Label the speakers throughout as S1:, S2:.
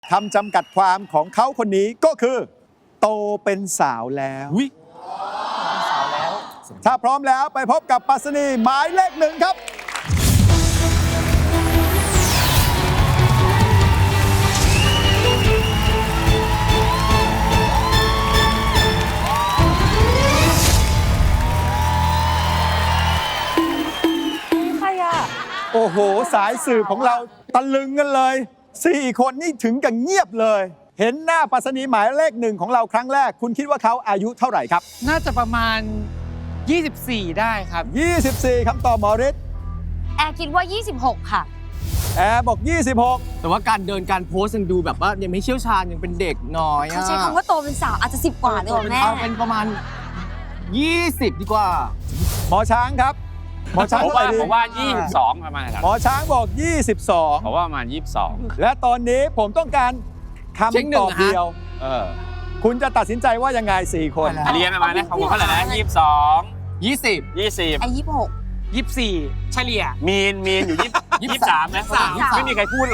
S1: คำจำกัดความของเขาคนนี้ก็คือ โตเป็นสาวแล้วถ้าพร้อมแล้วไปพบกับปรัชนีหมายเลข 1ครับโอ้โหสายสืบของเราตะลึงกันเลย4 คนนี่ถึงกับเงียบเลย เห็นหน้าปรัชนีหมายเลข 1ของเราครั้งแรกคุณคิดว่าเขาอายุเท่าไหร่ครับ
S2: น่าจะประมาณ 24 ได้ครับ
S1: 24คำตอบหมอฤทธิ์
S3: แอร์คิดว่า 26 ค่ะ
S1: แอร์บอก 26
S4: แต่ว่าการเดินการโพสยังดูแบบว่ายังไม่เชี่ยวชาญยังเป็นเด็กน้อย
S3: เขาใช้คำว่าโตเป็นสาวอาจจะ10 กว่าเลยเหรอแม่
S4: เอาเป็นประมาณ 20 ดีกว่า
S1: หมอช้างครับหมอช้าง
S5: ผม
S1: เท่าไหร่ดี
S5: ว่า 22 ประมาณครับ
S1: หมอช้างบอก
S5: ผมว่าประมาณ 22
S1: 22 และตอนนี้ผมต้องการคำตอบเดียวคุณจะตัดสินใจว่ายังไง4 คน
S5: เรียนประมาณนะของผมเท่าไหร่นะ 22
S4: 20
S5: 20
S3: ไอ้26
S2: 24 เฉลี่ย
S5: มีนอยู่23 นะ
S3: 23
S5: ไม่มีใครพูดเลย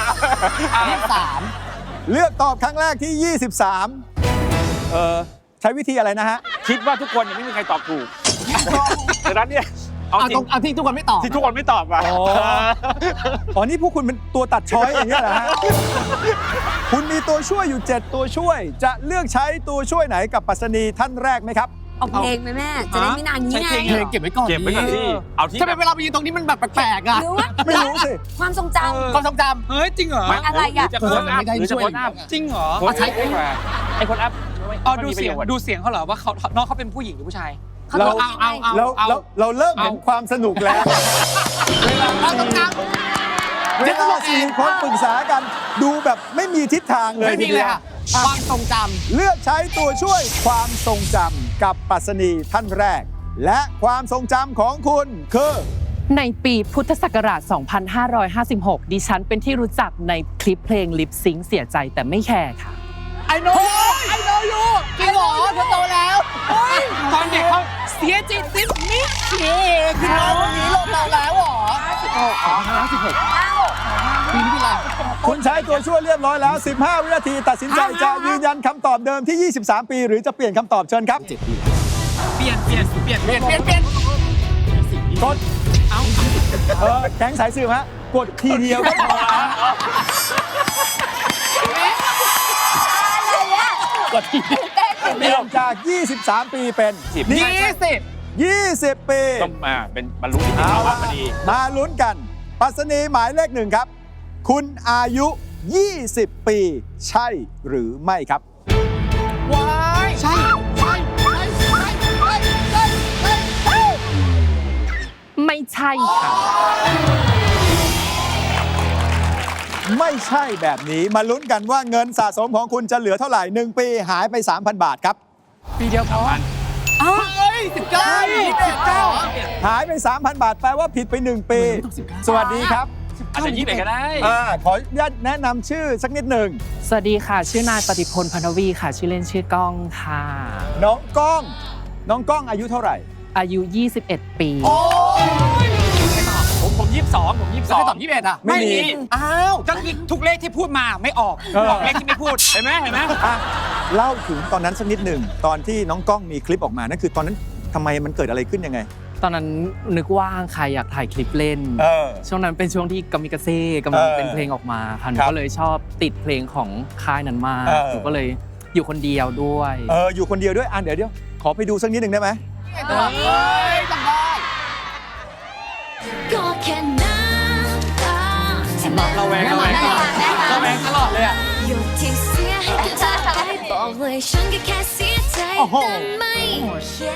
S4: 23
S1: เลือกตอบครั้งแรกที่ 23ใช้วิธีอะไรนะฮะ
S5: คิดว่าทุกคนยังไม่มีใครตอบถูกดังนั้นเนี่ยเอาจริง
S4: เอาที่ทุกคนไม่ตอบ
S5: ที่ทุกคนไม่ตอบอ่ะ
S1: อ๋อนี่พวกคุณเป็นตัวตัดช้อยอย่างนี้ยเหรอฮะ คุณมีตัวช่วยอยู่ 7 ตัวช่วย จะเลือกใช้ตัวช่วยไหนกับปรัชนีท่านแรกไหมครับ
S3: เอาเพลงไหมแม่ จะได้ไม่นานนี้ไง
S4: เพลงเก็บไว้ก่อน
S5: เก็บไว้ก่อนที่เอาที่
S4: ทำไมเวลาไปยืนตรงนี้มันแบบแปลกๆอ่ะ
S3: หรือว่า
S1: ไม่รู้สิ
S3: ความทรงจ
S4: ความทรงจ
S2: เฮ้ย จริงเหรอ
S3: อะไรอะ
S5: หจะโพสต์อัพหรือจะโพสต์อัพ
S2: จริงเหรอ
S5: โพสต์อัพดีกว่าไอ้โพสต์อัพ
S2: อ๋อ
S5: ไม่
S2: ดู
S5: มีประ
S2: เสีย
S5: โย
S2: ง
S5: ชน์
S2: ดูเสียงเขาเหรอว่าเขาน้องเขาเป็นผู้หญิงหรือผู้ชาย
S3: ำเขา
S1: เรา
S3: ต้องยังไง
S1: เราเริ่มเห็นความสนุกแล้ว เวลา4 คนปรึกษากัน ดูแบบไม่มีทิศทาง
S4: ำ
S1: เลย
S4: ไม่มีเลยค่ะความทรงจ
S1: เลือกใช้ตัวช่วยความทรงจำกับปรัชนีท่านแรก และความทรงจำของคุณคือ
S6: ในปีพุทธศักราช 2556 ดิฉันเป็นที่รู้จักในคลิปเพลงลิปซิงค์เสียใจแต่ไม่แคร์ค่ะ
S4: ำไอโนยูจริงเหรอเธอโตแล้ว
S2: ตอนเด็กเขาเสียจิตสิมิเช
S4: คือน้องคนนี้โตแล้วเหรอ56ปีนี้เป็นไร
S1: คุณใช้ตัวช่วยเรียบร้อยแล้ว 15 วินาที ตัดสินใจจะยืนยันคำตอบเดิมที่ 23 ปี หรือจะเปลี่ยนคำตอบเชิญครับ
S2: เปลี่ยน
S1: กดแก๊งสายสืบฮะ กดทีเดียวก็พอ
S4: กดที
S1: เปลี่ยนจาก 23 ปีเป็น 20 ปี
S5: ต้องมาเป็นบรรลุนิติภาวะพอดี
S1: มาลุ้นกันปรัชนีหมายเลข 1 ครับ คุณอายุ 20 ปี ใช่หรือไม่ครับ
S4: ว้ายใช่
S6: ไม่ใช่ค่ะ
S1: ไม่ใช่แบบนี้มาลุ้นกันว่าเงินสะสมของคุณจะเหลือเท่าไหร่ 1 ปีหายไป 3,000 บาทครับ
S2: ปีเดียวพอ
S4: 19
S1: หายไป 3,000 บาท แปลว่าผิดไป 1 ปี สวัสดีครับ
S5: อาจจะ21ก็ได้
S1: ขออนุญาตแนะนำชื่อสักนิดหนึ่ง
S6: สวัสดีค่ะ ชื่อนายปฏิพลพันธวีค่ะ ชื่อเล่นชื่อก้องค่ะ
S1: น้องก้อง น้องก้องอายุเท่าไหร่
S6: อายุ 21 ปี
S5: ผม22
S4: แล้วใครตอบ21อ่ะ
S1: ไม่มี
S4: อ้าว
S2: ก็คือทุกเลขที่พูดมาไม่ออกบอกเลขที่ไม่พูด
S5: เห็นไหม
S1: อ่ะเล่าถึงตอนนั้นสักนิดหนึ่งตอนที่น้องก้องมีคลิปออกมานั่นคือตอนนั้นทำไมมันเกิดอะไรขึ้นยังไง
S6: ตอนนั้นนึกว่างค่ะอยากถ่ายคลิปเล่น ช่วงนั้นเป็นช่วงที่กามิกาเซ่กำลังเป็นเพลงออกมาค่ะหนู
S1: ครับ
S6: ก็เลยชอบติดเพลงของค่ายนั้นมาก หนูก็เลยอยู่คนเดียวด้วย
S1: อยู่คนเดียวด้วยเดี๋ยวขอไปดูสักนิดหนึ่งได้ไหม
S4: จำได้
S7: ก็แค่น้ำตาที่มัน
S2: ระแวงตลอดเลยอ่ะ
S7: หยดที่เสียให้กับเธอไปบอกเลยฉันก็แค่เสียใจแต่ไม่แคร์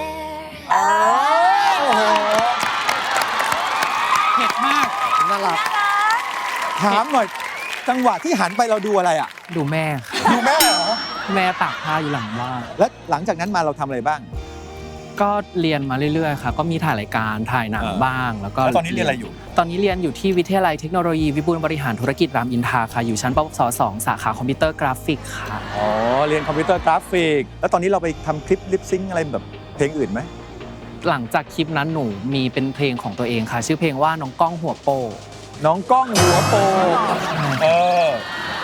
S2: เผ็ดมาก
S4: น่ารัก
S1: ถามหน่อยจังหวะที่หันไปเราดูอะไรอ่ะ
S6: ดูแม่ค่ะ
S1: ดูแม่เหรอ
S6: แม่ตากผ้าอยู่หลังบ้าน
S1: แล้วหลังจากนั้นมาเราทำอะไรบ้าง
S6: ก็เรียนมาเรื่อยๆค่ะก็มีถ่ายรายการถ่ายหนังบ้าง แล้วก็
S1: แล้วตอนนี้เรียนอะไรอยู่
S6: ตอนนี้เรียนอยู่ที่วิทยาลัยเทคโนโลยีวิบูลย์บริหารธุรกิจรามอินทราค่ะอยู่ชั้นปวส2สาขาคอมพิวเตอร์กราฟิกค่ะ
S1: อ๋อเรียนคอมพิวเตอร์กราฟิกแล้วตอนนี้เราไปทำคลิปลิปซิงค์อะไรแบบเพลงอื่นไหม
S6: หลังจากคลิปนั้นหนูมีเป็นเพลงของตัวเองค่ะ ชื่อเพลงว่าน้องก้องหัวโป
S1: น้องก้องหัวโป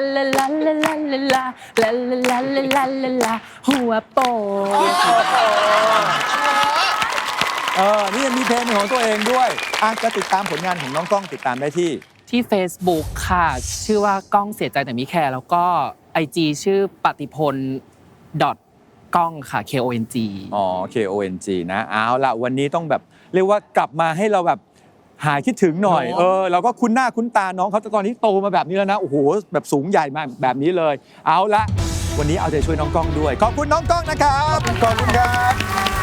S6: ลาลาลาลาลาลาลาลาลาลาลาลาหัวโป
S1: นี่ยังมีเพลงเป็นของตัวเองด้วยจะติดตามผลงานของน้องก้องติดตามได้ที่
S6: Facebook ค่ะ ชื่อว่าก้องเสียใจแต่ไม่แคร์แล้วก็ IG ชื่อปฏิพลก้องค่ะ KONG
S1: KONG นะเอาล่ะวันนี้ต้องแบบเรียกว่ากลับมาให้เราแบบหายคิดถึงหน่อยเราก็คุ้นหน้าคุ้นตาน้องเขาแต่ตอนนี้โตมาแบบนี้แล้วนะโอ้โหแบบสูงใหญ่มาแบบนี้เลยเอาละวันนี้เอาใจช่วยน้องก้องด้วยขอบคุณน้องก้องนะครับขอบคุณครับ